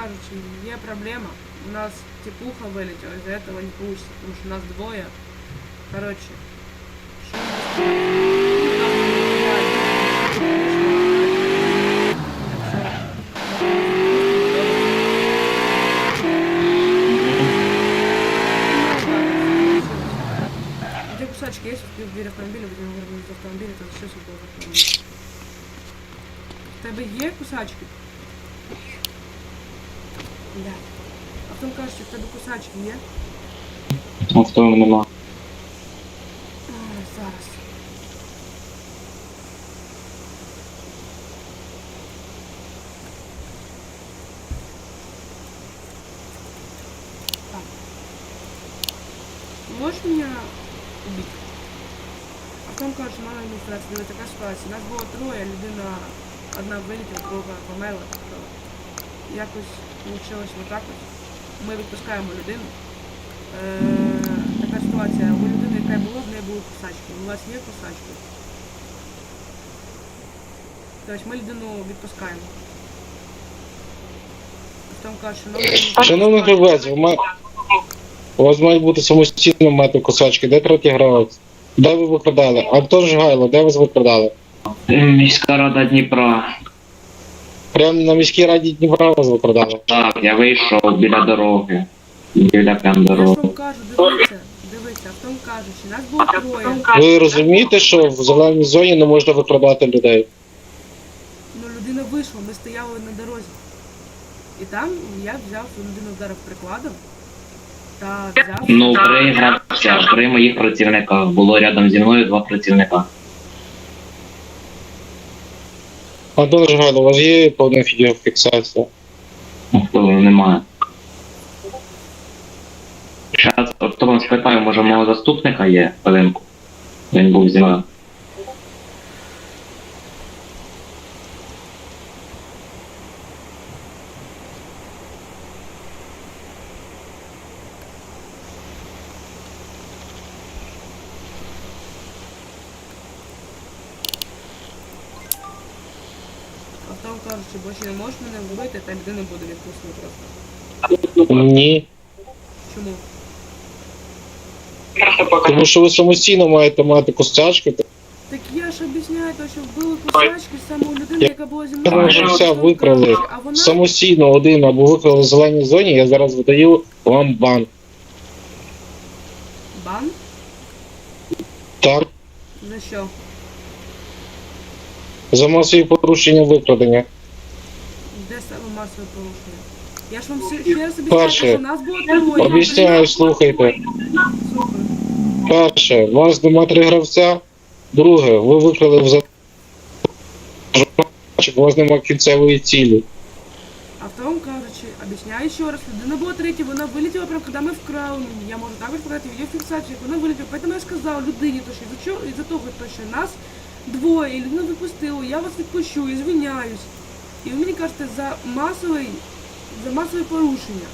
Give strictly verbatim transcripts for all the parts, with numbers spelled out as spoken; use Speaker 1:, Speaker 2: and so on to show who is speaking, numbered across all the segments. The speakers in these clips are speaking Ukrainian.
Speaker 1: кажучи, є проблема. У нас тепуха вилетіла, из-за этого не получится, потому что нас двое. Короче, что где кусачки есть в двери автомобиля, будем говорить из автомобиля, это все было в автомобиле. В тебе є кусачки? Бля. А в тому кажучи, в тебе кусачки є?
Speaker 2: А в тому нема.
Speaker 1: Ой, зараз. Так. Можешь меня убить? А в тому кажучи, мала ілюстрація, дивіться, така ситуація. Нас було троє, людина одна вилетіла, друга померла, тобто якось вийшло отак ось. Ми відпускаємо людину. Е, така ситуація. У людини, яка була, в неї були кусачки. У вас є кусачки? Тобто ми людину відпускаємо. В тому кажучи, ну...
Speaker 2: Шановний гравець, ви ма- у вас мають бути самостійно мати кусачки. Де третій гравець? Де ви викрадали? Антон Жгайло, де ви викрадали?
Speaker 3: Міська рада Дніпра.
Speaker 2: Прямо на міській раді Дніпра вас викрадали.
Speaker 3: Так, я вийшов біля дороги. Біля прям
Speaker 1: Я ж
Speaker 3: дороги.
Speaker 1: вам кажу, дивіться, дивіться, в тому кажучи, нас було троє.
Speaker 2: Ви розумієте, що в зеленій зоні не можна викрадати людей?
Speaker 1: Ну, людина вийшла, ми стояли на дорозі. І там я взяв цю людину, вдарив прикладом. Та взяв...
Speaker 3: Ну, три гравця, три моїх працівника. Було рядом зі мною два працівника.
Speaker 2: Антон Жгайло, у вас є повна відеофіксація?
Speaker 3: Хвилину немає. Зараз, хто вам спитаю, може мого заступника є хвилинку? Він був зі мною.
Speaker 1: А в тому кажучи, більше не можеш мене вбити, та людина буде відпустити просто.
Speaker 2: Ні.
Speaker 1: Чому?
Speaker 2: Тому що ви самостійно маєте мати кусачки.
Speaker 1: Так я ж об'ясняю, то, що вбили кусачки саме у людини, яка була зі
Speaker 2: Я
Speaker 1: мною.
Speaker 2: вже
Speaker 1: А
Speaker 2: все
Speaker 1: в тому
Speaker 2: викрали.
Speaker 1: кажучи, А вона...
Speaker 2: Самостійно один або викрали в зеленій зоні, я зараз видаю вам бан.
Speaker 1: Бан?
Speaker 2: Так?
Speaker 1: За що?
Speaker 2: За масові порушення викрадення.
Speaker 1: Де саме масове порушення? Я ж вам ще, ще раз об'ясняю,
Speaker 2: Перше.
Speaker 1: що нас було троє.
Speaker 2: Об'ясняю, слухайте.
Speaker 1: Слухай.
Speaker 2: Перше, у вас нема три гравця. Друге, ви викрали в зеленій, у вас нема кінцевої цілі.
Speaker 1: А в тому кажучи, об'ясняю ще раз, людина була третя, вона вилетіла прямо, коли ми вкрали її. Я можу також показати відеофіксацію, як вона вилетіла. Поэтому я сказав людині, то, що із-за чого- із-за того, то, що нас двоє, і людину відпустили, я вас відпущу, і звиняюсь. І ви мені кажете, за масовий, за масове порушення.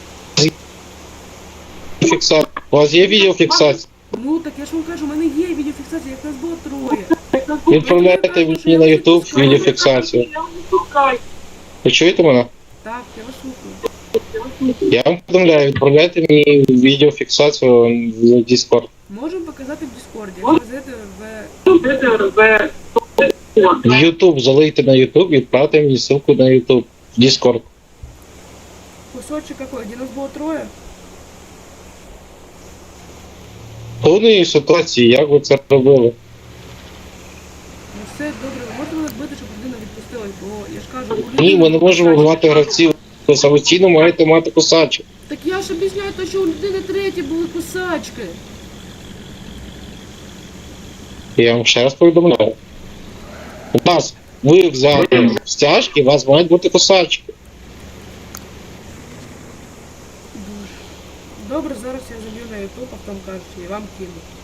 Speaker 2: Фіксація. У вас є відеофіксація?
Speaker 1: Ну, так я ж вам кажу, у мене є відеофіксація, як нас було троє.
Speaker 2: Відправляйте мені на YouTube відеофіксацію. Ви чуєте мене?
Speaker 1: Так, я вас слухаю.
Speaker 2: Я вам повідомляю, відправляйте мені відеофіксацію в Discord.
Speaker 1: Можемо показати в Дискорді, як ви зайдете в...
Speaker 2: В YouTube, залийте на YouTube і відправте мені ссылку на YouTube. В Discord.
Speaker 1: Кусочек какой, где нас було троє?
Speaker 2: Повної ситуації, як ви це робили?
Speaker 1: Ну все, добре, ви можете мене збити, щоб людина відпустилась, бо я ж кажу... у людини
Speaker 2: Ні, ми не можемо
Speaker 1: кусачки.
Speaker 2: мати гравців. Ви самостійно маєте мати кусачок.
Speaker 1: Так я ж об'ясняю, то, що у людини треті були кусачки.
Speaker 2: Я вам ще раз повідомляю. У вас, ви взяли стяжки, у вас мають бути кусачки.
Speaker 1: Добре, зараз я заб'ю на YouTube, а потім кажуть, і вам кину.